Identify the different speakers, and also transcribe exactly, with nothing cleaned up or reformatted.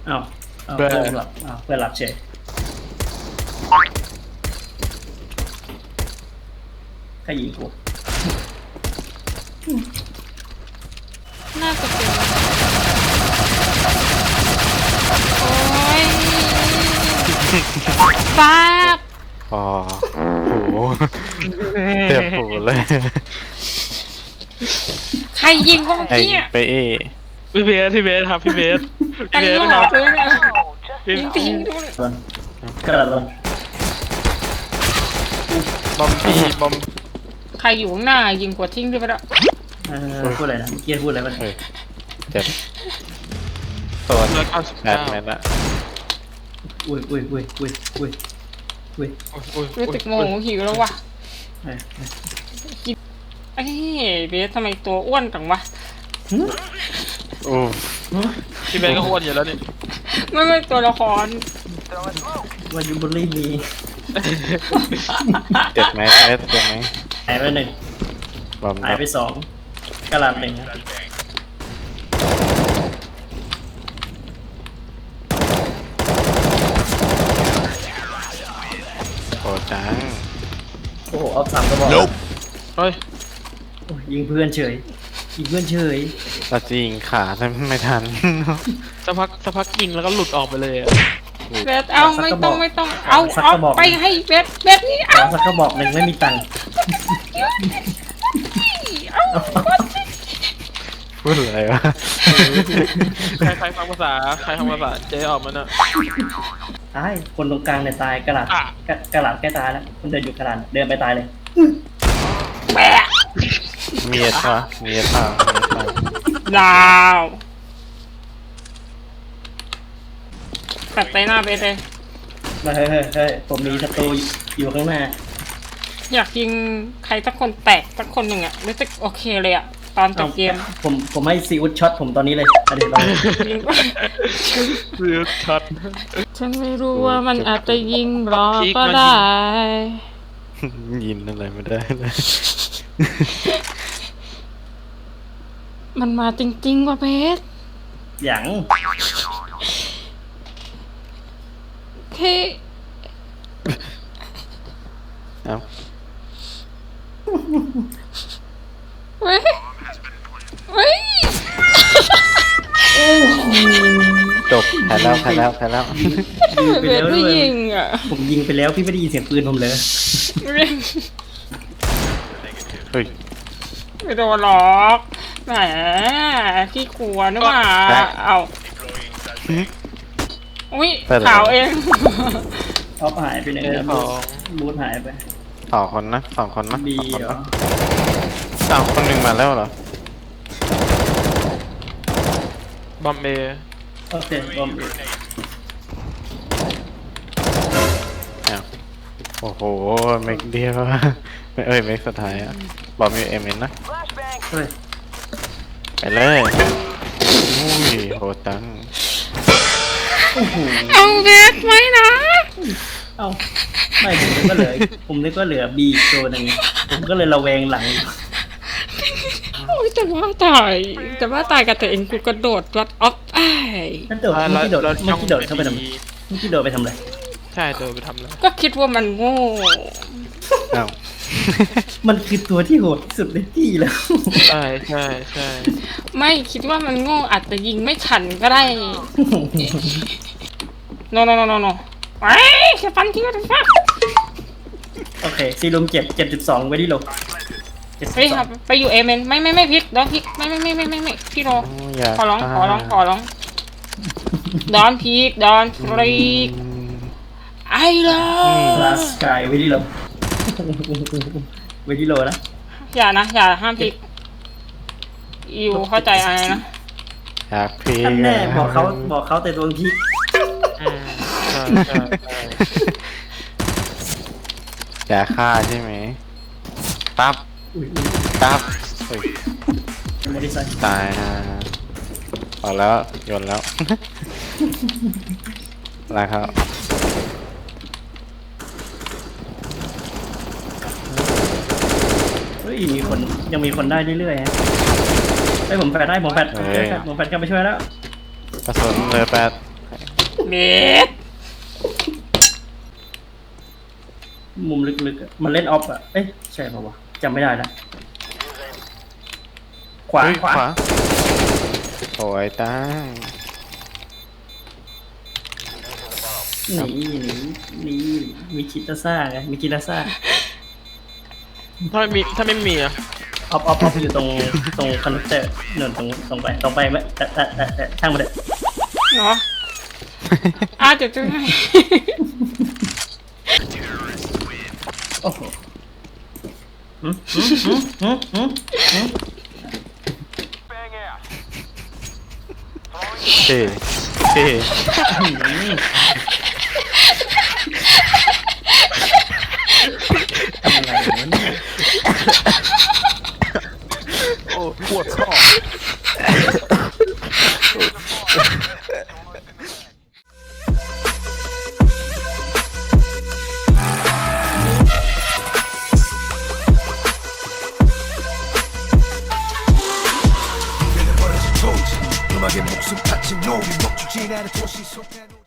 Speaker 1: อ้าวอ้าวเพื่อนหลับอ้าวเพื่อนหลับเฉยใครยิงกู
Speaker 2: น่าจะเป็นโอ้ยฟาก
Speaker 3: อ๋อโหเจ็บหูเลย
Speaker 2: ใครยิงวะ
Speaker 3: ไอ้
Speaker 2: เมื่อกี้อะ
Speaker 3: ไปเอ
Speaker 4: พี่เบสพี่เบสครับพี่เบส
Speaker 2: ต
Speaker 4: พี่เบ
Speaker 2: ล
Speaker 4: ส
Speaker 2: อ
Speaker 4: ครับ
Speaker 2: ดเลยนะ
Speaker 4: พี่
Speaker 2: ยิงจริงด้วย
Speaker 1: ลงกระโดดลง
Speaker 4: บอมบี้บอม
Speaker 2: ใครอยู่ข้างหน้ายิงกว่าทิ้งด้วยไปแล้ว
Speaker 1: เออพูดอะไรนะเมื่อกี้พูดอะไรมัน
Speaker 3: เฮ้ยเจ็บตัว
Speaker 4: ร้อยเก้าสิบ
Speaker 3: แป
Speaker 4: เก้า
Speaker 3: ดเมตรละ
Speaker 1: อุ้ยอุ้ยอุ้ยอุ้ยอุ้ยอุ้ย
Speaker 4: โอ้ยโอ้ย
Speaker 2: รู้สึกโมโหหิวแล้ววะ
Speaker 1: เอ้ยเอ้ย
Speaker 2: ไอ้เบสทำไมตัวอ้วนจังวะ
Speaker 1: หึ
Speaker 3: โอ้
Speaker 1: หึ
Speaker 4: พี่เบสก็อ้วนอยู่แล้วนี่
Speaker 2: ไม่ไม่ตัวละคร
Speaker 1: ว่ายูบุลี่มี
Speaker 3: เจ็บไหมเจ็บเจ็บไหม
Speaker 1: หายไปหนึ่ง
Speaker 3: บอม
Speaker 1: หายไปสองกระหลำหนึ่งนะ
Speaker 3: โอ้จัง
Speaker 1: โอ้โหเอาสามกระบอก
Speaker 4: เฮ้ย
Speaker 1: โอ้ยยิงเพื่อนเฉยยิงเพื่อนเฉย
Speaker 3: เราจะยิงขาแต่ไม่ทัน
Speaker 4: สักพักสักพักยิงแล้วก็หลุดออกไปเลยอะ
Speaker 2: เบสเอาไม่ต้องไม่ต้องเอาเอาไปให้เบสเบสนี่
Speaker 1: ขอ
Speaker 2: เอา
Speaker 1: สักกระบอกหนึ่งไม่มีตังค์
Speaker 2: เอา
Speaker 3: พูดอะไรวะ
Speaker 4: ใครใครฟังภาษาใครฟังภาษาเจ๊ออกมาน่ะ
Speaker 1: ตายคนตรงกลางเนี่ยตายกระหลาด
Speaker 4: อ่ะ
Speaker 1: กระกระหลาดแก้ตายแล้วคนเดินอยู่กระหลาดเดินไปตายเลย
Speaker 2: แบะ
Speaker 3: มีเอสปะมีเอสเปล่ามีเอสเปล่า
Speaker 2: ดาวตัดไปหน้าเบสเลย
Speaker 1: มาเฮ้ยเฮ้ยเฮ้ยผมมีศัตรูอยู่ข้างหน้า
Speaker 2: อยากยิงใครสักคนแตกสักคนหนึ่งอะรู้สึกโอเคเลยอะตอนจบเกม
Speaker 1: ผมผมให้ซีอุดช็อตผมตอนนี้เลยอะเดี๋ยวเรา
Speaker 2: ยิง
Speaker 4: เรือช็อต
Speaker 2: ฉันไม่รู้ว่ามันอาจจะยิงรอก็ได้
Speaker 3: ยินอะไรไม่ได้เลย
Speaker 2: มันมาจริงๆว่ะเบส
Speaker 1: อย่าง
Speaker 2: เฮ้ย
Speaker 3: เอ้า
Speaker 2: เฮ้ยเฮ้ย
Speaker 3: จบแพ้แล้วแพ้แล้วแพ้แล้ว
Speaker 1: ยิงไป
Speaker 2: เบ
Speaker 1: แล้
Speaker 2: ส
Speaker 1: ว
Speaker 2: ไม่
Speaker 1: ด้วย
Speaker 2: ยิงอะ
Speaker 1: ผมยิงไปแล้วพี่ไม่ได้ยินเสียงปืนผมเลย
Speaker 3: เฮ้ย
Speaker 2: ไม่โดนหรอกแหมพี่กลัวนึกว่าเอาอุ้ยข่าวเอง
Speaker 1: ท็อปหายไปไหน
Speaker 4: เจ๊
Speaker 1: นะ
Speaker 4: ของ
Speaker 1: บูทหายไป
Speaker 3: สองคนนะสองคนนะ
Speaker 1: บี
Speaker 3: สองคน
Speaker 1: เหรอ
Speaker 3: นะอ้าวคนหนึ่งมาแล้วเหรอบ
Speaker 4: อมเบย์
Speaker 1: โอเคบอมบี
Speaker 3: อ้าวโอ้โหเมกเดียวเอ้ยเมกสุดท้ายอะบอมยูเอ็มเอ็นนะ
Speaker 1: เฮ้ย
Speaker 3: ไปเลยอุ้ยโหดจัง
Speaker 1: โอ้โห
Speaker 2: เอาเบสไหมนะ
Speaker 1: เอ้าไม่ผมนึกว่าเหลือผมนึกว่าเหลือบีตัวหนึ่งผมก็เลยระแวงหลัง
Speaker 2: โอ้ยแต่ว่าตายแต่ว่าตายกับตัวเองกูกระโดดรัดออฟไอ
Speaker 1: นั่นโดดเมื่อกี้โดดเมื่อกี้โดดเข้าไปทำไมเมื่อกี้โดดไปทำอะไร
Speaker 4: ใช่เดินไปทำแล้ว
Speaker 2: ก็คิดว่ามันโง่
Speaker 3: อ้าว
Speaker 1: มันคือตัวที่โหดที่สุดในที่แล้ว
Speaker 4: ใช่ใช่ใช่
Speaker 2: ไม่คิดว่ามันโง่อาจจะยิงไม่ทันก็ได้ โนโนโนโนโนไอ้แค่ฟันทิ้งก็ได้ฟัก
Speaker 1: โอเคซีลุมเจ็ดเจ็ดสิบสองไว้ที่โลเจ็ดสิ
Speaker 2: เฮ้ย
Speaker 1: บส
Speaker 2: ค
Speaker 1: อ
Speaker 2: รั
Speaker 1: ง
Speaker 2: บไปอยู่เอเมนไม่ไม่ไม่พลิกดอนพลิกไม่ไม่ไม่ไม่ไม่ไม่พี่โร
Speaker 3: โอ้ยอยาก
Speaker 2: ขอร้อง
Speaker 3: ตาย
Speaker 2: ขอร้องขอร้องดอนพลิกดอนพลิก
Speaker 3: อืม
Speaker 2: ไอ้เล
Speaker 1: ลาย สกายไว้ที่โลไว้ที่โลนะ
Speaker 2: อย่านะอย่าห้ามพลิกอยู่เข้าใจอะไรนะ
Speaker 3: อยากพี
Speaker 1: ท่านแน่บอกเขาบอกเขาแต่ตัวพี่
Speaker 4: อืมใช่ใช่ใช่
Speaker 3: อยากฆ่าใช่ไหมปั๊บ
Speaker 1: อุ้ยอุ้ย
Speaker 3: ปั๊บเฮ้ย
Speaker 1: ไม่ได้ใส่
Speaker 3: ตายนะพอแล้วโยนแล้ว ลาครับ
Speaker 1: เฮ้ยมีคนยังมีคนได้เรื่อยๆฮะเฮ้ยผมแปดได้ผมแปดผมแปดผมแปดกลับไปช่วยแล้ว
Speaker 3: กระสุนเลยแปด
Speaker 2: เมด
Speaker 1: มุมลึกๆอะมันเล่นออฟอะเอ๊ะใช่ป่าวะจำไม่ได้ละขวา
Speaker 3: เฮ้ย
Speaker 1: ขวา
Speaker 3: โอ้ยตั้ง
Speaker 1: หนีหนีหนีมีคิตาซ่าไงมีคิตาซ่า
Speaker 4: ถ้าไม่มีถ้าไม่มีอะ
Speaker 1: ออฟออฟออฟอยู่ตรงตรงคอนเนคเตอร์เนินตรงตรงไปตรงไปไม่แต่แต่แต่แต่ช่างมันเถอะ
Speaker 2: เนาะอ่ะเดี๋ยวจะให้
Speaker 1: โอ้โหหืมหืมหืมหืมหืมหืม
Speaker 3: เท่เท่
Speaker 1: หืมทำอะไรวะเนี่ย
Speaker 4: โอ้ปวดข้อ
Speaker 5: 음악에 목숨 바친 놈이 멈추지 않은 도시 속에